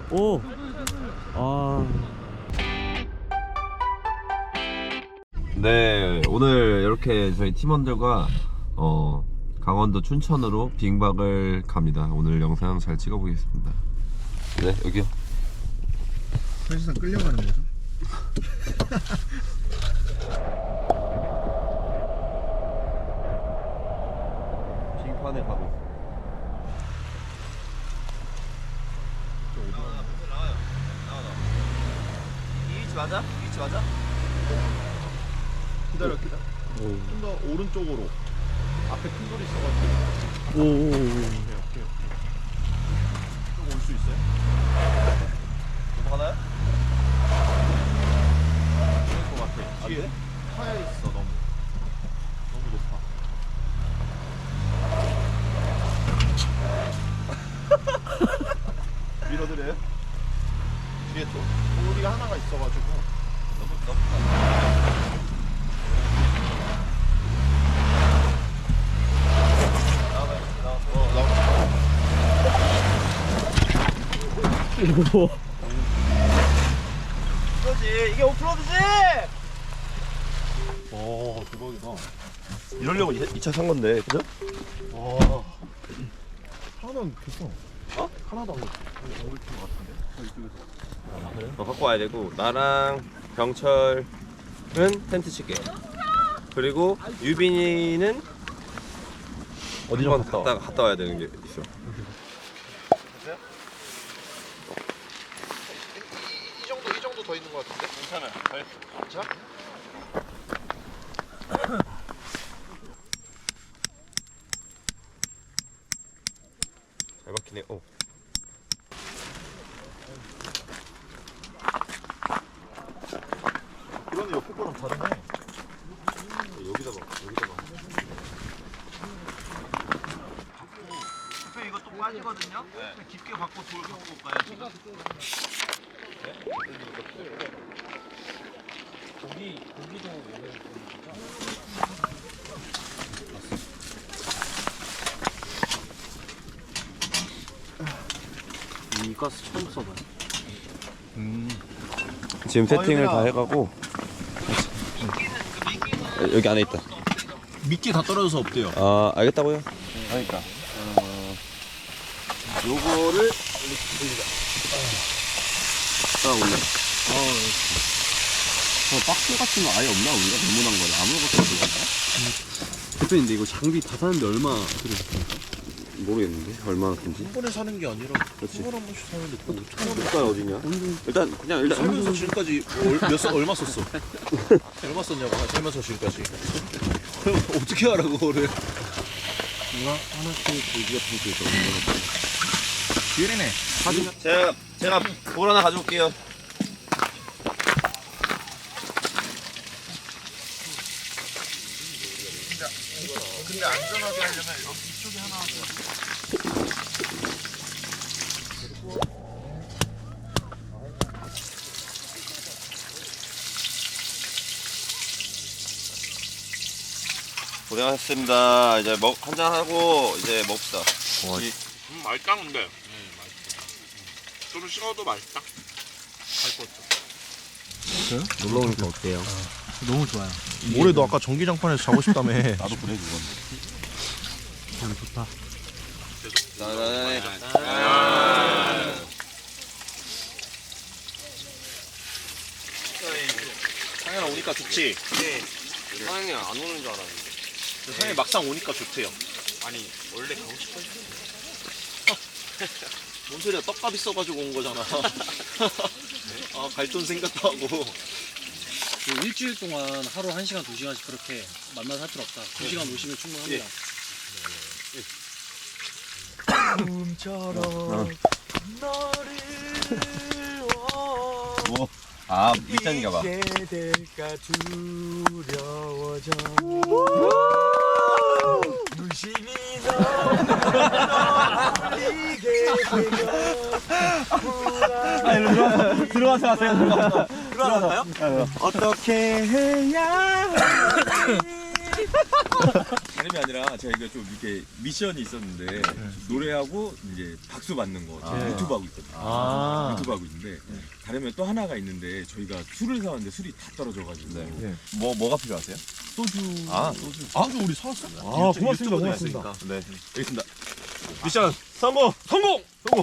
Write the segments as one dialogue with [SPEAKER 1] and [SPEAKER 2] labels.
[SPEAKER 1] 오. 아.
[SPEAKER 2] 네, 오늘 이렇게 저희 팀원들과 강원도 춘천으로 빙박을 갑니다. 오늘 영상 잘 찍어보겠습니다. 네, 여기요.
[SPEAKER 3] 사실상 끌려가는 거죠?
[SPEAKER 2] 빙판에 가고 있어.
[SPEAKER 4] 이 위치 맞아? 이 위치 맞아?
[SPEAKER 3] 기다려. 좀 더 오른쪽으로. 앞에 큰 돌이 있어가지고.
[SPEAKER 1] 오.
[SPEAKER 3] 오케이. 좀 올 수 있어요?
[SPEAKER 4] 넘어가나요?
[SPEAKER 3] 그럴 것 같아. 뒤에 파야 있어. 너무 높아. 밀어드려요? 뒤에 또 돌이 하나가 있어가지고.
[SPEAKER 4] 너무 그렇지, 이게 오프로드지!
[SPEAKER 3] 와 대박이다.
[SPEAKER 4] 이러려고 이 차 산 건데, 그죠?
[SPEAKER 3] 와 하나도 안 켰어. 어? 하나도 안 켰어. 올 것 같은데? 이쪽에서.
[SPEAKER 2] 갖고 와야 되고, 나랑 병철은 텐트 칠게. 그리고 유빈이는
[SPEAKER 4] 어디
[SPEAKER 2] 좀 갔다 와야 되는 게 있어.
[SPEAKER 3] 이 정도 더 있는 것 같은데?
[SPEAKER 4] 괜찮아요.
[SPEAKER 3] 자?
[SPEAKER 2] 잘 박히네. 오.
[SPEAKER 3] 그러네, 옆에 거랑 다르네.
[SPEAKER 2] 여기다 봐.
[SPEAKER 4] 대표 이거 또 빠지거든요? 깊게 받고 돌 갖고 올까요, 지금?
[SPEAKER 1] 이 가스 처음 써봐요.
[SPEAKER 2] 지금 세팅을 다 해가고 여기 안에 있다.
[SPEAKER 3] 미끼 다 떨어져서 없대요.
[SPEAKER 2] 아, 알겠다고요?
[SPEAKER 3] 그러니까.
[SPEAKER 2] 요거를 올려.
[SPEAKER 1] 박스 같은 거 아예 없나? 우리가 주문한 거를 아무것도 없나? 대표님, 근데 이거 장비 다 사는데 얼마 들으셨습니까?
[SPEAKER 2] 모르겠는데 얼마나 큰지.
[SPEAKER 3] 한 번에 사는 게 아니라
[SPEAKER 2] 그렇지.
[SPEAKER 3] 한 번에 한 번씩 사는데 또 어떻게 하는 거야?
[SPEAKER 2] 색깔 어디냐? 일단
[SPEAKER 3] 살면서 지금까지 얼마 썼어? 얼마 썼냐고 살면서 지금까지. 그럼 어떻게 알아 그거를?
[SPEAKER 1] 하나씩 고기 같은 거 있어.
[SPEAKER 3] 기회네.
[SPEAKER 4] 제가 돌 하나 가져올게요.
[SPEAKER 3] 근데 안전하게 하려면 이쪽에 하나 하고.
[SPEAKER 4] 고생하셨습니다. 이제 한잔 하고 이제 먹읍시다.
[SPEAKER 5] 맛있다 근데 맛있다. 좀 식어도 맛있다.
[SPEAKER 1] 놀러 오니까 어때요?
[SPEAKER 3] 너무 좋아요. 올해 너 아까 전기장판에서 자고 싶다며.
[SPEAKER 4] 나도 그래 그건.
[SPEAKER 1] 참 좋다.
[SPEAKER 4] 나나네.
[SPEAKER 3] 상현아 오니까 좋지?
[SPEAKER 2] 사장님 안 오는 줄 알았는데.
[SPEAKER 3] 상현이 막상 오니까 좋대요.
[SPEAKER 5] 아니 원래 가고 싶어 했어.
[SPEAKER 3] 뭔 소리야, 떡값 있어가지고 온 거잖아. 아, 갈 돈 생각도 하고.
[SPEAKER 6] 일주일 동안 하루 1시간, 2시간씩 그렇게 만나서 할 필요 없다. 2시간 오시면 충분합니다.
[SPEAKER 2] 아, 밑단인가 봐.
[SPEAKER 4] 될까 두려워져. 무심히 너 흘리게 되면 들어가서 하세요. 들어가서 할까요? 어떻게 해야 할지
[SPEAKER 7] 다름이 아니라 제가 이거 좀 이렇게 미션이 있었는데 노래하고 이제 박수 받는 거 제가 유튜브 하고 있거든요. 유튜브 하고 있는데 다르면 또 하나가 있는데 저희가 술을 사왔는데 술이 다 떨어져가지고
[SPEAKER 2] 뭐가 필요하세요?
[SPEAKER 3] 소주.
[SPEAKER 7] 소주.
[SPEAKER 3] 소주 우리 사왔어? 고맙습니다. 고맙습니다.
[SPEAKER 2] 네.
[SPEAKER 7] 알겠습니다. 미션 성공! 성공!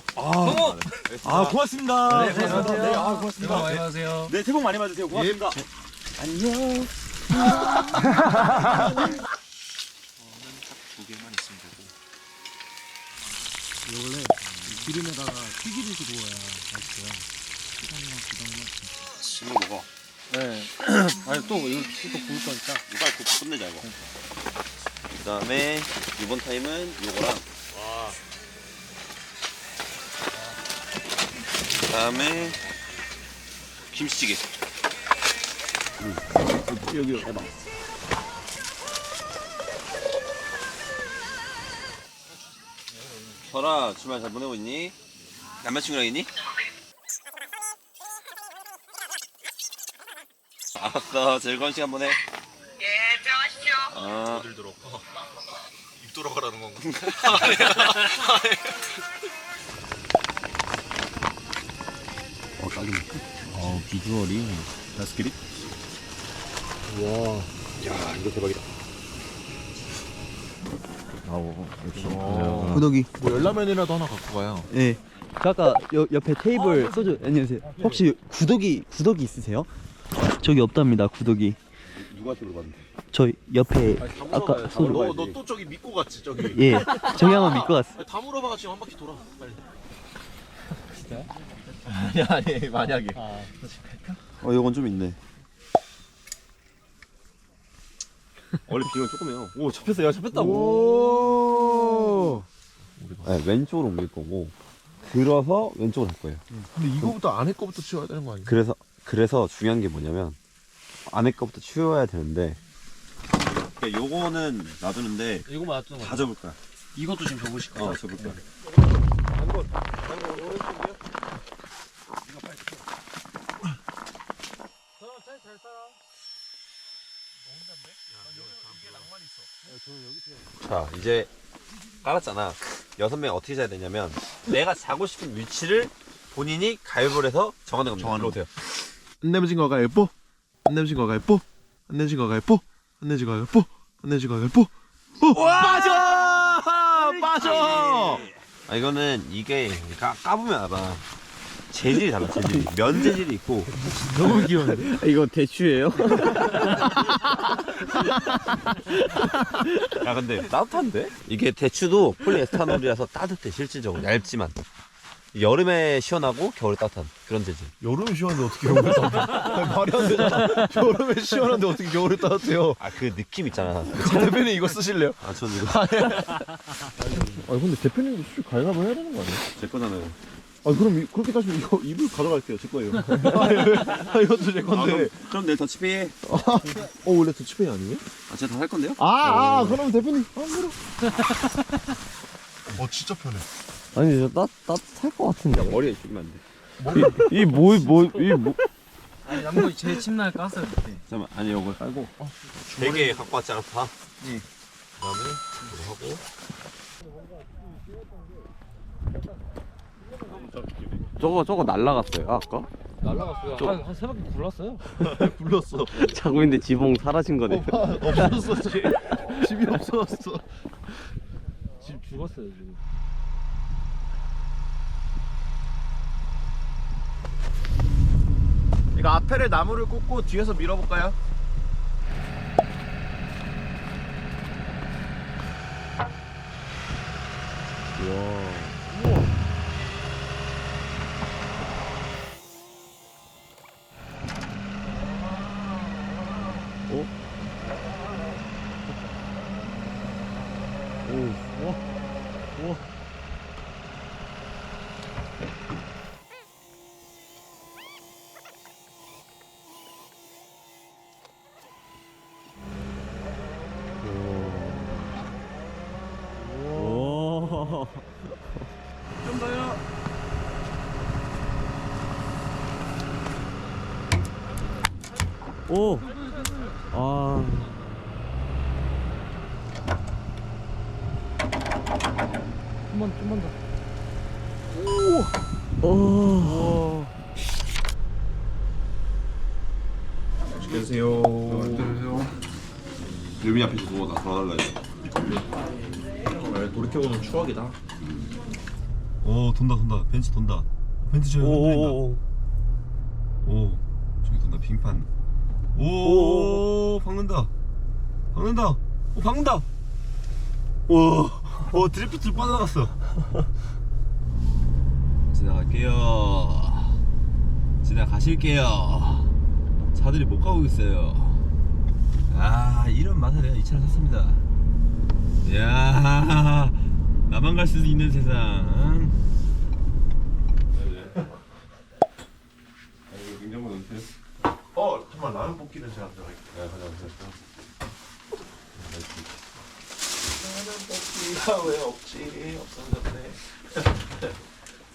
[SPEAKER 3] 고맙습니다.
[SPEAKER 6] 네, 고맙습니다.
[SPEAKER 3] 네,
[SPEAKER 6] 수고
[SPEAKER 3] 고맙습니다.
[SPEAKER 6] 많이 받으세요.
[SPEAKER 7] 네, 새해 복 많이 받으세요. 고맙습니다.
[SPEAKER 3] 안녕.
[SPEAKER 5] 두 개만 있으면 되고.
[SPEAKER 6] 이거 원래 기름에다가 튀기듯이 구워야 맛있어요.
[SPEAKER 5] 심어 먹어.
[SPEAKER 6] 네. 아니 또 이거 또 구울 거니까.
[SPEAKER 4] 이빨 굽 끝내자 이거. 그 다음에 이번 타임은 요거랑. 그 다음에 김치찌개.
[SPEAKER 1] 여기 해봐.
[SPEAKER 4] 설아 주말 잘 보내고 있니? 남자친구랑 있니? 알았어 즐거운 시간 보내.
[SPEAKER 8] 예, 들어가십시오.
[SPEAKER 4] 어.
[SPEAKER 5] 들어. 입 돌아가라는 건가?
[SPEAKER 1] 딱이네.
[SPEAKER 2] 비주얼이.
[SPEAKER 1] 다스키리?
[SPEAKER 7] 야, 이거 대박이다.
[SPEAKER 2] 역시.
[SPEAKER 3] 구독이. 뭐 열라면이라도 하나 갖고 가요.
[SPEAKER 9] 네. 저 아까 옆에 테이블 소주 안녕하세요. 혹시 구독이 있으세요? 저기 없답니다. 구독이.
[SPEAKER 1] 누구한테 물어봤는데?
[SPEAKER 9] 저 옆에 아까 소주.
[SPEAKER 3] 너 또 저기 믿고 갔지 저기.
[SPEAKER 9] 예. 저기 한번 믿고 갔어.
[SPEAKER 3] 다 물어봐 지금 한 바퀴 돌아. 빨리.
[SPEAKER 2] 아니 만약에.
[SPEAKER 1] 이건 좀 있네. 원래 비율 조금해요. 오, 잡혔어요. 잡혔다고. 네, 왼쪽으로 옮길 거고 들어서 왼쪽으로 할 거예요.
[SPEAKER 3] 근데 이거부터 안에 거부터 치워야 되는 거 아니야?
[SPEAKER 1] 그래서 중요한 게 뭐냐면 안에 거부터 치워야 되는데
[SPEAKER 4] 그러니까 요거는 놔두는데
[SPEAKER 6] 이거만 놔두는 거야.
[SPEAKER 4] 다 접을 거야.
[SPEAKER 6] 이것도 지금 접으실 거야.
[SPEAKER 4] 접을 거야.
[SPEAKER 2] 자 이제 깔았잖아. 6명 어떻게 자야 되냐면 내가 자고 싶은 위치를 본인이 가위바위보를 해서 정하는 겁니다. 들어오세요.
[SPEAKER 3] 안 내면 진거 가위바위보. 안 내면 진거 가위바위보. 안 내면 진거 가위바위보. 안 내면 진거 가위바위보. 안 내면 진거 가위바위보.
[SPEAKER 2] 빠져! 이거는 이게 까보면 알아. 재질이 달라. 재질이. 면 재질이 있고.
[SPEAKER 3] 너무 귀여운데?
[SPEAKER 9] 이거 대추예요?
[SPEAKER 2] 야 근데 따뜻한데? 이게 대추도 폴리에스타놀이라서 따뜻해. 실질적으로 얇지만 여름에 시원하고 겨울에 따뜻한 그런 재질.
[SPEAKER 3] 여름에 시원한데 어떻게 겨울에 따뜻해? 말이 안 되잖아. 여름에 시원한데 어떻게 겨울에 따뜻해요?
[SPEAKER 2] 그 느낌 있잖아.
[SPEAKER 3] 대표님 이거 쓰실래요?
[SPEAKER 2] 전 이거
[SPEAKER 3] 근데 대표님도 수술 가위바위보 해야 되는 거 아니에요?
[SPEAKER 1] 제 거잖아요.
[SPEAKER 3] 그럼 그렇게 따지면 이거 이불 가져갈게요. 제 거예요. 이것도 제 건데.
[SPEAKER 1] 그럼 내일 더치페이.
[SPEAKER 3] 원래 더치페이 아니에요?
[SPEAKER 1] 제가 다 할 건데요?
[SPEAKER 3] 그럼 대표님 안 물어. 진짜 편해.
[SPEAKER 9] 아니 저 따뜻할 것 같은데.
[SPEAKER 1] 머리에 죽이면 안 돼.
[SPEAKER 6] 아니 남거 제 침낭에 깠어요 그때.
[SPEAKER 1] 잠깐만, 아니 이걸 깔고.
[SPEAKER 2] 되게 갖고 왔지 않아? 다? 응. 그다음에 이거 하고.
[SPEAKER 1] 저거 날라갔어요 아까?
[SPEAKER 6] 날라갔어요. 한 세 바퀴 굴렀어요.
[SPEAKER 3] 불렀어.
[SPEAKER 9] 자고 있는데 지붕 사라진 거네.
[SPEAKER 3] 없었어. 집이 없어졌어.
[SPEAKER 6] 지금 죽었어요 지금.
[SPEAKER 3] 이거 앞에를 나무를 꽂고 뒤에서 밀어볼까요?
[SPEAKER 9] 오. 오.
[SPEAKER 2] 안녕하세요. 유미 앞에서 누워 다 돌아달라 이거.
[SPEAKER 3] 돌이켜보는 추억이다.
[SPEAKER 2] 오 돈다 벤츠 돈다. 벤츠 저기 흔들린다. 오 저기 돈다 빙판. 오 박는다. 오 박는다. 오 드리프트 빠져나갔어. 지나가실게요. 차들이 못 가고 있어요. 아 이런 맛에 내가 이 차를 샀습니다. 이야 나만 갈 수 있는 세상. 냉장고 넣으세요.
[SPEAKER 3] 정말 라면 볶기는 제가 들어갈게요.
[SPEAKER 2] 네 가져가세요.
[SPEAKER 3] 라면 볶기가 왜 없지?